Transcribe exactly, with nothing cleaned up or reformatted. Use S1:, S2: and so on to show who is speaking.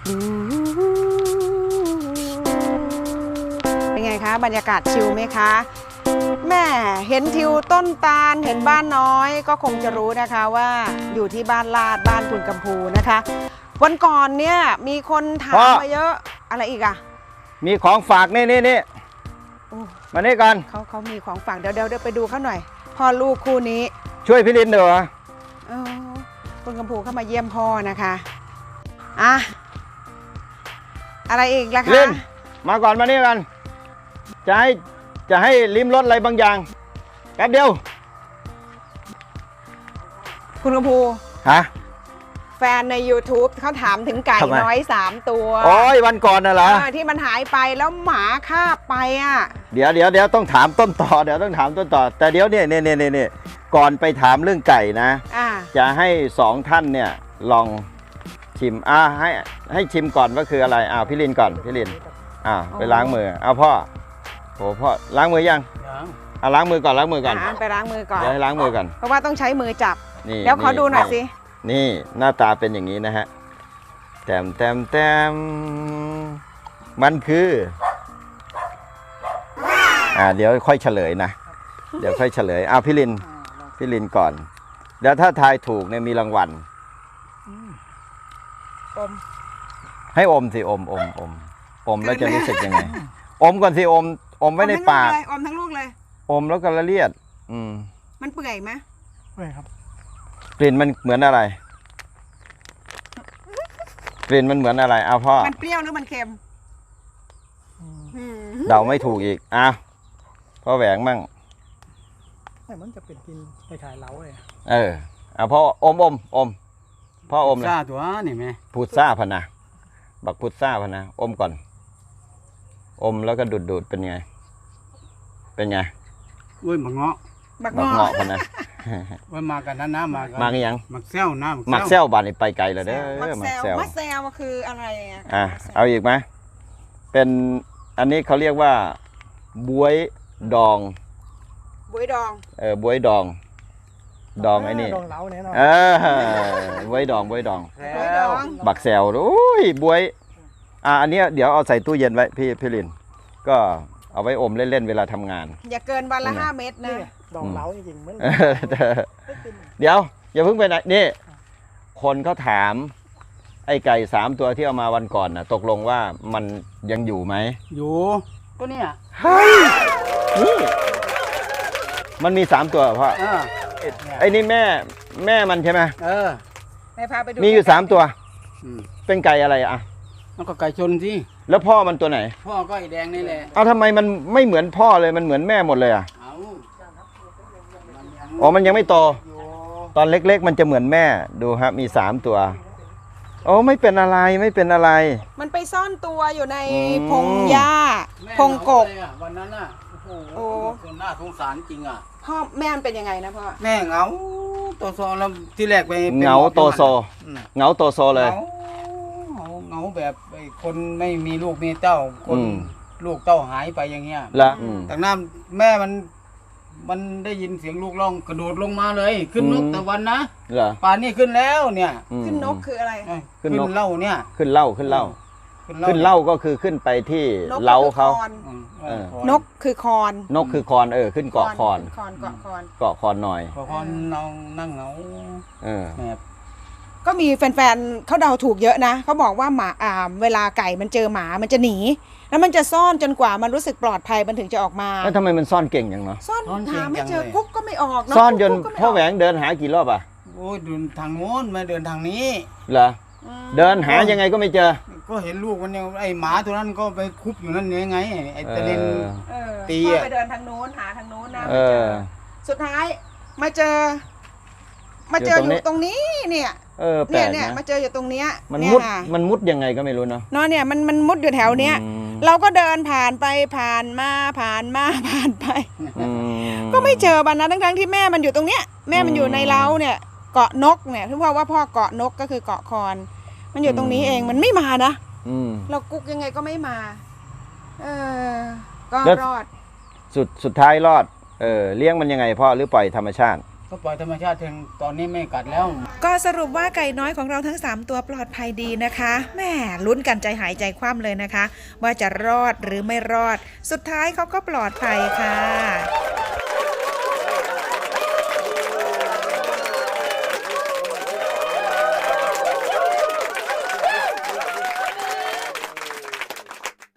S1: เป็นไงคะบรรยากาศชิลไหมคะแม่เห็นทิวต้นตาลเห็นบ้านน้อยก็คงจะรู้นะคะว่าอยู่ที่บ้านลาดบ้านคุณกัมพูนะคะวันก่อนเนี่ยมีคนถามมาเยอะอะไรอีกอะ
S2: มีของฝากนี่นี่นี่มานี่กัน
S1: เขาเขามีของฝากเดี๋ยวเดี๋ยวไปดูเขาหน่อยพ่อลูกคู่นี้
S2: ช่วยพี่ลินเดี๋ยว
S1: คุณกัมพูเข้ามาเยี่ยมพ่อนะคะอ่ะอะไรอีกล่ะคะ
S2: ลินมาก่อนมานี่กันจะให้จะให้ลิ้มรสอะไรบางอย่างแป๊บเดียว
S1: คุณกัมพู
S2: ฮะ
S1: แฟนใน ยูทูบ เขาถามถึงไก่น้อยสามตัว
S2: โอ้ยวันก่อนน่ะเหรอ
S1: ที่มันหายไปแล้วหมาคาบไปอ่ะ
S2: เดี๋ยวเดี๋ยวเดี๋ยวต้องถามต้นต่อเดี๋ยวต้องถามต้นต่อแต่เดี๋ยวเนี่ยเนี่ยเนี่ยเนี่ยก่อนไปถามเรื่องไก่นะจะให้สองท่านเนี่ยลองชิมอ่าให้ให้ชิมก่อนว่าคืออะไรอ่าพี่ลินก่อนพี่ลินอ่าไปล้างมือเอาพ่อโหพ่อล้างมือยังอ่าล้างมือก่อนล้างมือก่อน
S1: ไปล้างมือก่อน
S2: เดี๋ยวให้ล้างมือก่อน
S1: เพราะว่าต้องใช้มือจับเดี๋ยวขอดูหน่อยสิ
S2: นี่หน้าตาเป็นอย่างนี้นะฮะแต้มแต้มแต้มมันคืออ่าเดี๋ยวค่อยเฉลยนะเดี๋ยวค่อยเฉลยอ่าพี่ลินพี่ลินก่อนเดี๋ยวถ้าทายถูกเนี่ยมีรางวัล
S1: อม
S2: ให้อมสิอมอมอมอมแล้วจะรู้สึกยังไงอมก่อนสิอมอมไว้ในปาก
S1: อมทั้งลูกเลย
S2: อมแล้วก็ละเลียดอืม
S1: มันเปื่อยไหม
S3: เปื่อยครับ
S2: กลิ่นมันเหมือนอะไรกลิ่นมันเหมือนอะไรเอาพ่อ
S1: มันเปรี้ยวหรือมันเค็ม
S2: เดาไม่ถูกอีกอ้าวพ่อแหวงมั่ง
S3: แต่มันจะเป็นกินไปขายเล้าเลย
S2: เออเอาพ่ออมอมอมพ่ออมเลย
S3: ซ่าตัวนี่ไหม
S2: พุทซ่าพนะบักพุทซ่าพนะอมก่อนอมแล้วก็ดูดดูดเป็นไงเป็นไง
S3: อุ้ยหมักเงาะ
S2: หมักเงาะพนะ
S3: ว่ามากันนั้นนะมา
S2: มากันยัง
S3: หมักเซลนะ
S2: หมักเซลบานนี่ไปไกลเลยเด้อ
S1: หมักเซลหมักเซลคืออะไร
S2: อ่ะเอาอีกไหมเป็นอันนี้เขาเรียกว่าบวยดอง
S1: บวยดอง
S2: เออบวยดองดองไอ้นี่
S3: ดองเล้าเนี่ยเนาะ
S2: เออบวยดองบวยดองบักแซวโอ้ยบวยอ่ะอันนี้เดี๋ยวเอาใส่ตู้เย็นไว้พี่พี่ลินก็เอาไว้อมเล่นๆเวลาทำงาน
S1: อย่าเกินวันละห้าเม็ดนะ
S3: ดองเล้าจริงๆมัน
S2: เดี๋ยวอย่าเพิ่งไปไหนนี่คนเขาถามไอ้ไก่สามตัวที่เอามาวันก่อนน่ะตกลงว่ามันยังอยู่ไหม
S3: อยู่ตัวเนี้ย
S2: เฮ้ยนี่มันมีสามตัวพ่อไอ้นี่แม่แม่มันใช่ไหม
S3: เออ
S1: ไปพาไปดู
S2: มีอยู่สามตัวเป็นไก่อะไรอ่ะ
S3: แล้วก็ไก่ชนสิ
S2: แล้วพ่อมันตัวไหน
S3: พ่อก็ไอ้แดงนี่แหละ
S2: เอาทำไมมันไม่เหมือนพ่อเลยมันเหมือนแม่หมดเลยอ่ะอ๋อมันยังไม่โตตอนเล็กๆมันจะเหมือนแม่ดูครับมีสามตัวโอ้ไม่เป็นอะไรไม่เป็นอะไร
S1: มันไปซ่อนตัวอยู่ในพงหญ้าพงกบ
S3: วันนั้นน่ะโอ้คนน่าสงสารจริงอ่ะ
S1: พ่อแม่มันเป็นยังไงนะพ่อ
S3: แม่เหงาโตโซแล้วที่แรกไป
S2: เหงาโตโซเหงาโตโซเลย
S3: เหงาแบบคนไม่มีลูกมีเต้าคนลูกเต้าหายไปอย่างเงี้ย
S2: แล้ว
S3: แต่น้าแม่มันมันได้ยินเสียงลูกร้องกระโดดลงมาเลยขึ้นนกตะวันนะป่านนี้ขึ้นแล้วเนี่ย
S1: ขึ้นนกคืออะไร
S3: ขึ้นเล่าเนี่ย
S2: ขึ้นเล่าขึ้นเล่าขึ้นเล่าก็คือขึ้นไปที่เล้าเขา
S1: นกคือคอน
S2: นกคือคอนเออขึ้นเกาะคอน
S1: เกาะคอน
S2: เกาะคอนหน่อย
S3: เกาะคอนนอนนั่งเหงา
S2: เออ
S1: ก็มีแฟนๆเขาเดาถูกเยอะนะเขาบอกว่าหมาอ่าเวลาไก่มันเจอหมามันจะหนีแล้วมันจะซ่อนจนกว่ามันรู้สึกปลอดภัยมันถึงจะออกมา
S2: แล้วทำไมมันซ่อนเก่งอย่างเนาะ
S1: ซ่อนหาไม่เจอกุ๊กก็ไม่ออก
S2: ซ่อนจนพ่อแหวงเดินหากี่รอบอ่ะ
S3: โอ้ยเดินทางโน้นมาเดินทางนี้
S2: เหรอเดินหายังไงก็ไม่เจอ
S3: ก็เห็นลูกมันยังไอหมาตัวนั้นก็ไปคุบอยู่นั่นยังไงไอตะเลน
S1: ตีอ่ะไปเดินทางโน้นหาทางโน้นนะไม่เจอสุดท้ายมาเจอมาเจออยู่ตรงนี้เนี่ย
S2: เออแปลกนะ
S1: เนี่ยมาเจออยู่ตรงเนี้ย
S2: มันมุดมันมุดยังไงก็ไม่รู้เนาะ
S1: เนาะเนี่ยมันมันมุดอยู่แถวเนี้ยเราก็เดินผ่านไปผ่านมาผ่านมาผ่านไปก็ไม่เจอมันนะทั้งๆที่แม่มันอยู่ตรงเนี้ยแม่มันอยู่ในเล้าเนี่ยเกาะนกเนี่ยที่พ่อว่าพ่อเกาะนกก็คือเกาะคอนมันอยู่ตรงนี้เองมันไม่มานะเรากุ๊กยังไงก็ไม่มาเออก็รอด
S2: สุดสุดท้ายรอดเออเลี้ยงมันยังไงพ่อหรือปล่อยธรรมชาติ
S3: ก็ปล่อยธรรมชาติถึงตอนนี้ไม่กัดแล้ว
S1: ก็สรุปว่าไก่น้อยของเราทั้งสามตัวปลอดภัยดีนะคะแหม่ลุ้นกันใจหายใจคว่ำเลยนะคะว่าจะรอดหรือไม่รอดสุดท้ายเขาก็ปลอดภัยค่ะ